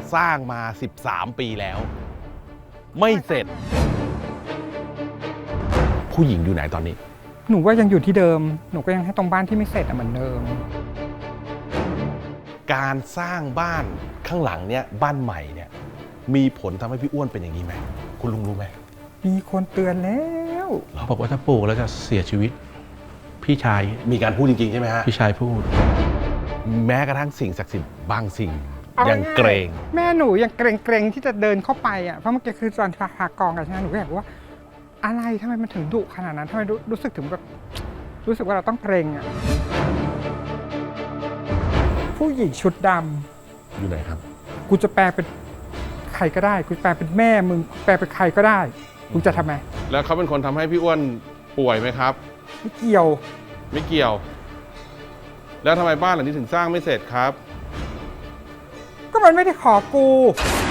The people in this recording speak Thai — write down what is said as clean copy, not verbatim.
สร้างมา13 ปีแล้ว ไม่เสร็จ ผู้หญิงอยู่ไหนตอนนี้หนูว่ายังอยู่ที่เดิม หนูก็ยังให้ตรงบ้านที่ไม่เสร็จเหมือนเดิมการสร้างบ้านข้างหลังเนี่ยบ้านใหม่เนี่ยมีผลทำให้พี่อ้วนเป็นอย่างนี้ไหมคุณลุงรู้ไหมมีคนเตือนแล้วบอกว่าถ้าปลูกแล้วจะเสียชีวิต พี่ชายมีการพูดจริงๆใช่ไหมฮะพี่ชายพูดแม้กระทั่งสิ่งศักดิ์สิทธิ์บางสิ่งยังเกรงแม่หนูยังเกรงที่จะเดินเข้าไปอ่ะเพราะเมื่อกี้คือตอนหากองกันใช่ไหมหนูก็อยากรู้ว่าอะไรทำไมมันถึงดุขนาดนั้นทำไมรู้สึกถึงแบบรู้สึกว่าเราต้องเกรงอ่ะผู้หญิงชุดดำอยู่ไหนครับกูจะแปลเป็นใครก็ได้กูแปลเป็นแม่มึงแปลเป็นใครก็ได้มึงจะทำไมแล้วเขาเป็นคนทำให้พี่อ้วนป่วยไหมครับไม่เกี่ยวไม่เกี่ยว แล้วทำไมบ้านหลังนี้ถึงสร้างไม่เสร็จครับก็มันไม่ได้ขอกู